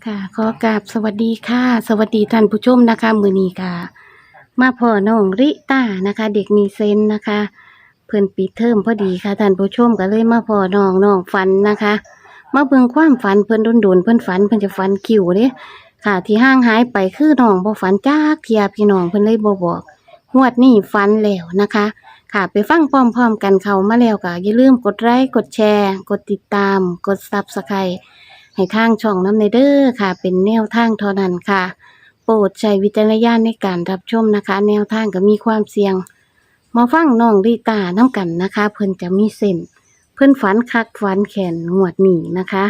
ค่ะขอกราบสวัสดีค่ะสวัสดีท่านผู้ชมนะคะมื้อนี้ค่ะมาพ่อน้องริต้านะคะเด็กมีเซนส์นะคะเพิ่นปิดเทอมพอดีค่ะท่านผู้ชมก็เลยมาพ่อน้องฝันนะคะมาเบิ่งความฝันเพิ่นโดนๆเพิ่นฝันเพิ่นจะฝันคิวเด้ค่ะที่ห่างหายไปคือน้องบ่ฝันจักเที่ยพี่น้องเพิ่นเลยบ่บอกงวดนี้ฝันแล้วนะคะค่ะไปฟังพร้อมๆกันเข้ามาแล้วก็อย่าลืมกดไลค์กดแชร์กดติดตามกด Subscribeให้ทางช่องน้ำในเด้อค่ะเป็นแนวทางเท่านั้นค่ะโปรดใช้วิจารณญาณในการรับชมนะคะแนวทางก็มีความเสี่ยงมาฟังน้องริตาน้ำกันนะคะเพิ่นจะมีเส้นเพิ่นฝันคักฝันแขนงวดนี้นะคะ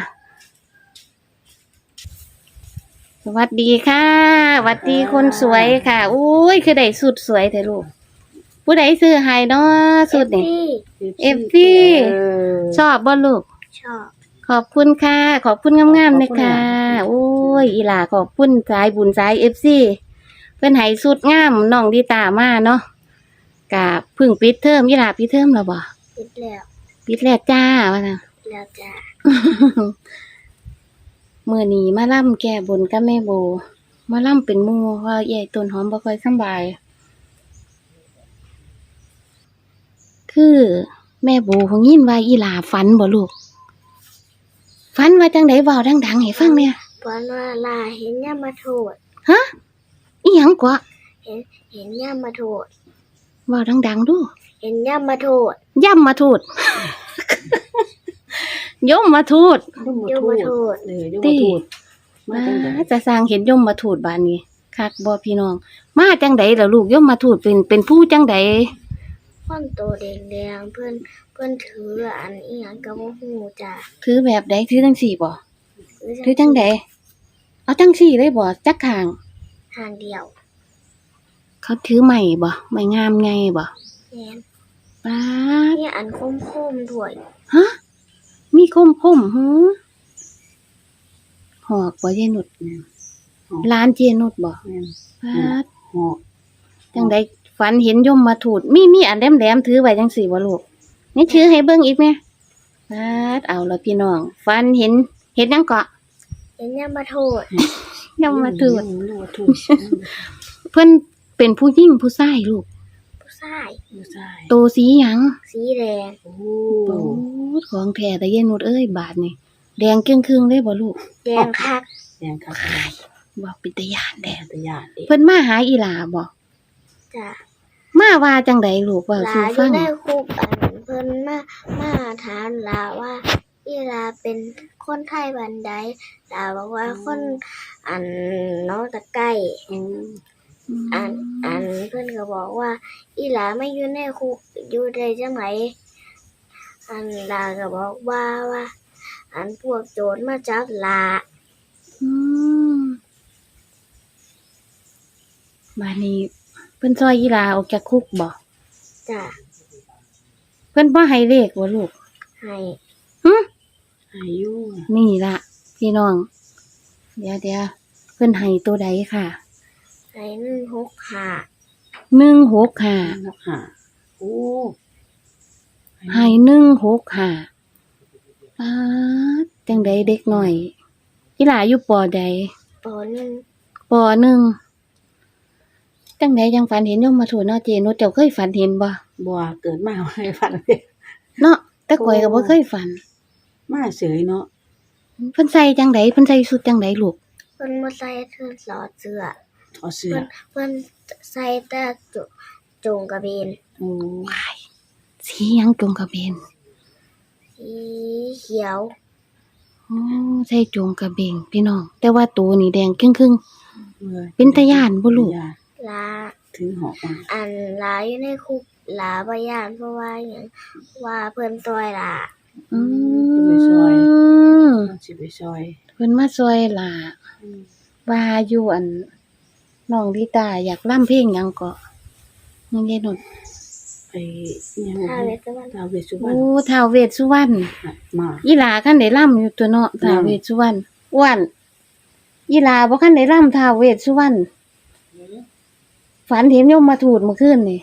สวัสดีค่ะสวัสดีคนสวยค่ะอุ้ยคือได้สุดสวยแต่ลูกผู้ใดซื้อให้เนาะสุดนี่เอฟซีชอบบ่ลูกชอบขอบคุณค่ะขอบคุณงามๆเลยค่ะโอ้ยอีหล่าขอบคุณสายบุญสายFCเพิ่นให้สุดงามน้องดีตามาเนาะกะเพิ่งปิดเทอมอีหล่าปิดเทอมแล้วบ่ปิดแล้วปิดแล้วจ้าว่าน่ะแล้วจ้ามื้อนี้มาล่ำแก้บนกับแม่โบมาล่ำเป็นหมู่เพราะใหญ่ต้นหอมบ่ค่อยสำบายคือแม่โบคงยินว่าอีหล่าฝันบ่ลูกฝันว่าจังได๋เว้าดังๆให้ฟังเนี่ยฝันว่าลาเห็นย่ามาโทษฮะอีหยังกว่าเห็นย่ามาโทษเว้าดังๆดูเห็นย่ามาโทษย่ำมาทูด ยมมาทูดย่ามาโทษตีมาจะสร้างเห็นยมมาทูดบ้านนี้คักบ่พี่น้องมาจังไดล่ะลูกยมมาทูดเป็นผู้จังไดคนโตแดงๆเพิ่นถืออันอีหยังก็บ่ฮู้จ้าถือแบบใดถือจังสี่บ่ถือจังไดเอาจังสี่เลยบ่จักข้างทางเดียวเขาถือไม้บ่ไม้งามไงบ่แม่นป๊าดนี่อันคมๆด้วยฮะมีคมหือหอกบ่เจนุดร้านเจนุดบ่ป๊าดหอกจังไดฝันเห็นยมมาทูดมีอันแหลมๆถือไว้จังสี่บ่ลูกนี่ถือให้เบิ่งอีกแม่ป๊าดเอาล่ะพี่น้องฝันเห็นหยังเกาะเห็นย่ามาโทษยมมาทูดเพิ่นเป็นผู้หญิงผู้ชายลูกผู้ชายโตสีหยังสีแดงโอ้ของแท้แต่เย็นหมดเอ้ยบาทนี่แดงครึ่งๆเลยบ่ลูกแดงคักบ่เป็นตาย้านแดงเพิ่นมาหาอีหลาบ่จ้ะมาว่าจังไดลูกว่าสู่ฟังลาอยู่ในคุกอันเพิ่นมาถามลาว่าอีลาเป็นคนไทยบ้านใดลาบอกว่าคนอันน้องตะไก่อันเพิ่นก็บอกว่าอีหลาไม่อยู่ในคุกอยู่ได้จังไดอันลาก็บอกว่าอันพวกโจรมาจับลาบัดนี้เพิ่นซอยอีหลาออกจากคุกบ่จ้ะเพิ่นบ่ให้เลขบ่ลูกให้ให้อยู่นี่ล่ะพี่น้องเดี๋ยวเพิ่นให้ตัวใดค่ะให้165 โอ้ให้165ป๊าดจังไดเด็กน้อยอีหลาอยู่ป.ใดป.1 ป.1จังไดจังฝันเห็นยมมาทูตเนาะเจนุชเจ้าเคยฝันเห็นบ่เกิดมาบ่เคยฝันเนาะแต่ข้อยก็บ่เคยฝันมาเฉยเนาะเพิ่นใส่จังไดเพิ่นใส่ชุดจังไดลูกเพิ่นบ่ใส่ถอดเสื้อเพิ่นใส่แต่จงกระเบนโอ้ยสีหยังจงกระเบนสีเขียวใส่จงกระเบนพี่น้องแต่ว่าตัวนี่แดงครึ่งๆเป็นตาย้านบ่ลูกลาถือหอกมาอันลาอยู่ในคุกลาบ่ย้านเพราะว่าหยังว่าเพิ่นซอยลาไปซอยสิไปซอยเพิ่นมาซอยล่ะว่าอยู่อันน้องลิตาอยากร่ำเพลงหยังก็ยังไงนุชไปยังท้าวเวสสุวรรณโอ้ท้าวเวสสุวรรณมาอีหลาคันได้ร่ำอยู่ตัวเนาะท้าวเวสสุวรรณอ้วนอีหลาบ่คันได้ร่ำท้าวเวสสุวรรณฝันเห็นยมมาทูดเมื่อคืนนี่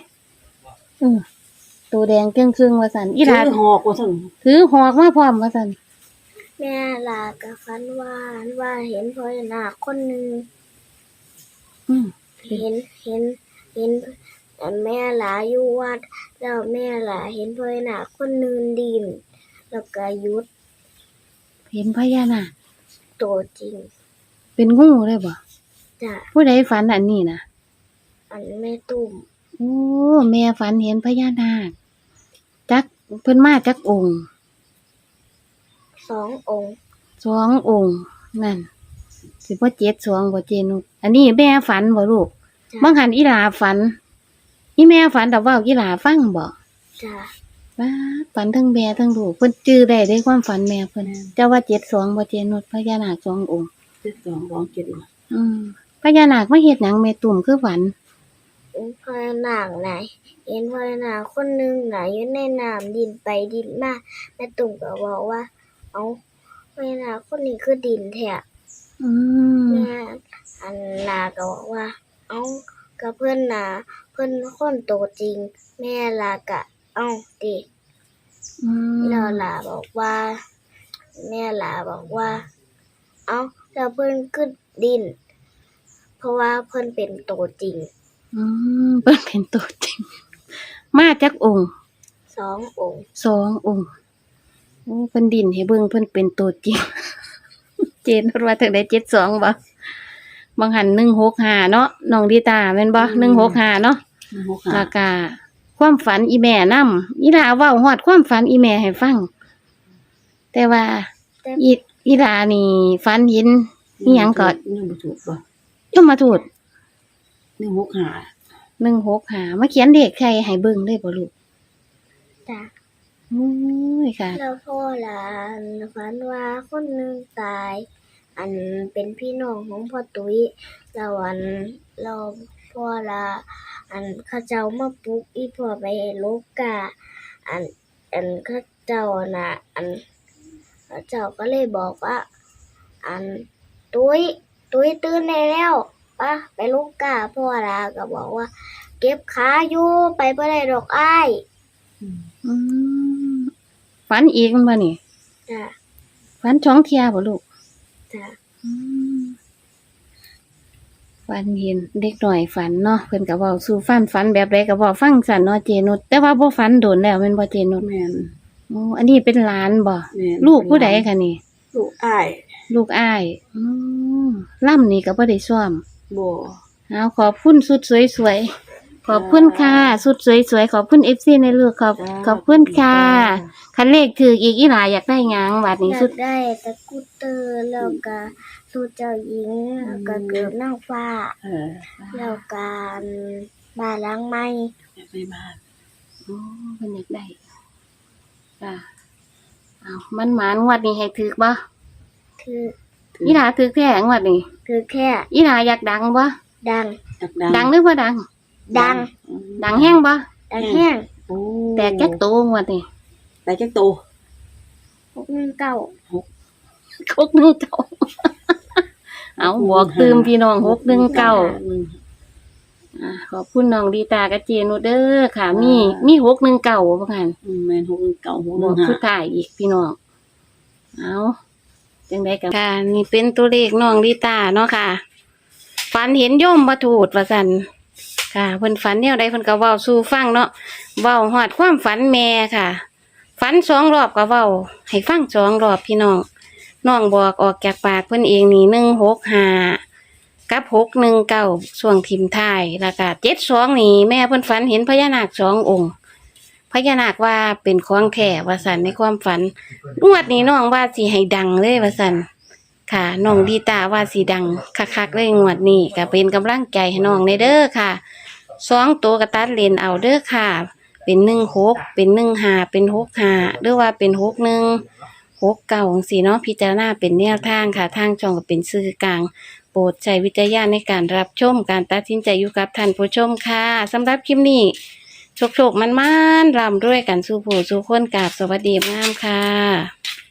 ตัวแดงครึ่งๆว่าซั่นอีหลาถือหอกว่าซั่นถือหอกมาพร้อมว่าซั่นแม่ลากับฝันว่าเห็นพญานาคคนหนึ่งอืมเห็นแม่หลาอยู่วัดแล้วแม่หลาเห็นพญานาคคนหนึ่งดิน แล้วก็หยุดเห็นพญานาคตัวจริงเป็นงูเลยบ่จ้ะผู้ใดฝันอันนี้นะอันแม่ตุ่มโอ้แม่ฝันเห็นพญานาคจักเพิ่นมาจักองค์ 2 องค์สององค์นั่นสิบ่เจ็ดสองบ่เจนุชอันนี้แม่ฝันบ่ลูกจ้ะบางหันอีหลาฝันอีแม่ฝันแต่ว่าอีหลาฟังบ่จ้ะว้าฝันทั้งแม่ทั้งลูกเพิ่นจื้อได้ความฝันแม่เพิ่นเจ้าว่าเจ็ดสองบ่เจนุชพญานาคสององค์ 7 2 2 7 อืมพญานาคมาเฮ็ดหยังแม่ตุ่มคือฝันเห็นพญานาคไหนเห็นพญานาคคนหนึ่งไหนอยู่ในน้ำดินไปดินมาแม่ตุ่มก็บอกว่า เอาพญานาคคนนี้คือดินแท้อืมแม่อันนาก็บอกว่า เอากับเพื่อนนาเพื่อนคนโตจริง แม่ลากะ เอาดิอืมแล้วลาบอกว่า แม่ลาบอกว่า เอาแล้วเพื่อนขึ้นดิน เพราะว่าเพื่อนเป็นโตจริงอืมเพิ่นเป็นตัวจริง มาจักองค์ 2 องค์สององค์โอ้เพิ่นดินให้เบิ่งเพิ่นเป็นตัวจริง เจนว่าถึงได้72บ่บางหัน165เนาะน้องดีตาแม่นบ่165เนาะ 6 แล้วก็ความฝันอีแม่นำอีหลาเว้าฮอดความฝันอีแม่ให้ฟัง แต่ว่าแต่อีหลานี่ฝันเห็นอีหยังก็ 1บ่ถูกบ่ยมทูต 165 165มาเขียนเลขใครให้เบิ่งได้บ่ลูกจ้ะโอ้ยค่ะแล้วพ่อหลานฝันว่าคนหนึ่งตาย อันเป็นพี่น้องของพ่อตุ้ยแล้วเราพ่อละอันเขาเจ้ามาปลุกอีพ่อไปโลกาอันเขาเจ้าน่ะ อันเขาเจ้าก็เลยบอกว่า อันตุ้ยตื่นได้แล้วปะไปโลกาพ่อละก็บอกว่า เก็บขาอยู่ไปบ่ได้ดอกอ้ายอืมฝันอีกมันบ่นี่จ้ะฝันช่องเที่ยบ่ลูกจ้ะอืมฝันเห็นเด็กหน่อยฝันเนาะเพิ่นก็เว้าสู่ฝันแบบใดก็เว้าฟังซั่นเนาะเจนุชแต่ว่าบ่ฝันโดนแล้วแม่นบ่เจนุชแม่นโอ้อันนี้เป็นหลานบ่แม่นลูกผู้ใดคะนี่ลูกอ้ายลูกอ้ายล่ำนี่ก็บ่ได้ซ่อมบ่เอาขอบคุณสุดสวยๆขอบคุณค่ะสุดสวยๆขอบคุณ FC ในลูกขอบคุณค่ะคันเลขถืออีกอีหลาอยากได้หยังบัดนี้อยาสุดกได้ตะกรุดเตอร์แล้วก็สูตรเจ้าหญิงแล้วก็เกิดนางฟ้า แล้วการบ้านหล้างไม้อยากไปบ้านโอ้เพิ่นอยากได้จ้ะเอามันหมานงวดนี้ให้ถือบ่คืออีหลาถือแท้งวดนี้คือแค่อีหลาอยากดังบ่ดังอยากดังหรือบ่ดังดังดังแห้งบ่ดังแห้งโอ้แตกจักโตงวดนี้แต่จักโต 619 คกนึงเก่า เอาบอกตืมพี่น้อง619ขอบคุณน้องดีตากับเจนุเด้อค่ะ มี619บ่คั่นแม่น619 บอกสุดท้ายอีกพี่น้อง เอาจังไดกันค่ะนี่เป็นตัวเลขน้องดีตาเนาะค่ะ ฝันเห็นโยมบทูดว่าสันค่ะเพิ่นฝันแนวใดเพิ่นก็เว้าสู่ฟังเนาะเว้าฮอดความฝันแม่ค่ะ ฝัน2 รอบก็เว้าให้ฟัง2 รอบพี่น้องน้องบอกออกจากปากเพิ่นเองนี่165กับ619ช่วงทิมท้ายแล้วก็72นี่แม่เพิ่นฝันเห็นพญานาค2 องค์ พญานาคว่าเป็นของแท้ว่าสันในความฝันงวดนี้น้องว่าสิให้ดังเลยว่าสันค่ะน้องดีตาว่าสิดังคักๆเลยงวดนี้ก็เป็นกำลังใจให้น้องในเด้อค่ะ2 ตัวกระตัดเลนเอาเด้อค่ะ เป็น16เป็น15เป็น65หรือว่าเป็น61 69จังซี่เนาะพิจารณาเป็นแนวทางค่ะทางช่องก็เป็นสื่อกลางโปรดใช้วิจารณญาณในการรับชมการตัดสินใจอยู่กับท่านผู้ชมค่ะสำหรับคลิปนี้ โชคๆมันๆร่ำรวยกันสู่ผู้สู่คนกราบสวัสดีงามค่ะ